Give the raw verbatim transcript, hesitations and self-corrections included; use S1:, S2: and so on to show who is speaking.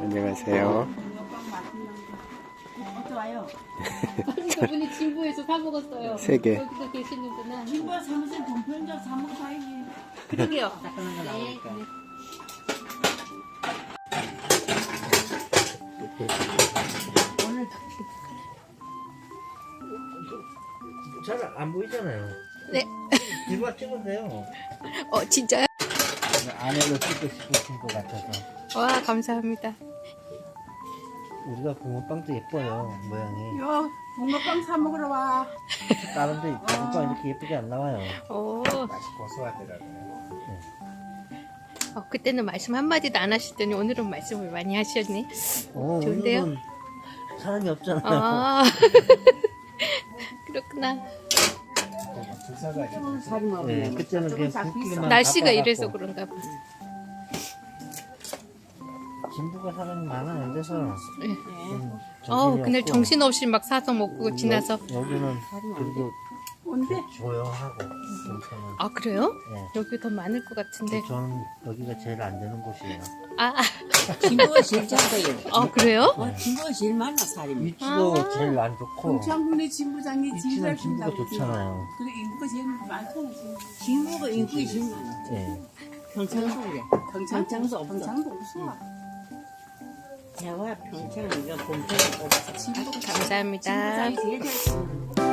S1: 안녕하세요.
S2: 어쩌와요?
S3: 저분이 진부에서 사 먹었어요.
S1: 세 개.
S3: 여기도 계시는구나.
S2: 진부야 사무실 동편적 사먹 사야지.
S3: 그러게요.
S2: 네. 오늘
S4: 잘 안 보이잖아요.
S3: 네.
S4: 뒤만 찍으세요.
S3: 어, 진짜요?
S4: 안에로 찍고 싶으신 것 같아서.
S3: 와, 감사합니다.
S4: 우리가 붕어빵도 예뻐요, 모양이.
S2: 요 붕어빵 사 먹으러 와.
S4: 다른 데 붕어빵 이렇게 예쁘게 안 나와요.
S3: 오.
S4: 맛이 고소하더라고요.
S3: 어, 그때는 말씀 한마디도 안 하시더니 오늘은 말씀을 많이 하셨네.
S4: 어,
S3: 좋은데요?
S4: 오늘은 사람이 없잖아요.
S3: 아. 그렇구나.
S2: 살이 먹네.
S4: 네, 그때는 그냥 굵기만
S3: 날씨가
S4: 바빠갖고.
S3: 이래서 그런가 봐.
S4: 진부가 사람이 많아 안 돼서.
S3: 네.
S4: 좀
S3: 어,
S4: 정신이
S3: 그날
S4: 없고.
S3: 정신없이 막 사서 먹고 지나서.
S4: 여, 여기는 그래도
S2: 온대.
S4: 조용하고 괜찮아요.
S3: 아, 그래요?
S4: 네.
S3: 여기 더 많을 것 같은데.
S4: 저는 여기가 제일 안 되는 곳이에요.
S3: 아,
S2: 진부가 제일 작아요.
S3: 아, 그래요?
S2: 어, 진부가 제일 많아 살이.
S4: 위치도
S3: 아.
S4: 제일 안 좋고.
S2: 동창군의 진부장이
S4: 위치는
S2: 진부를
S4: 진부가 좋잖아요.
S2: 그래 인구가 제일 많잖아. 진부가 인구가 제일 많아.
S4: 네.
S2: 평창소래. 평창도 없어. 평창도 없어. 대화 평창 이거 본편이 없어. 진부
S3: 감사합니다.
S2: 진부장이 제일 잘.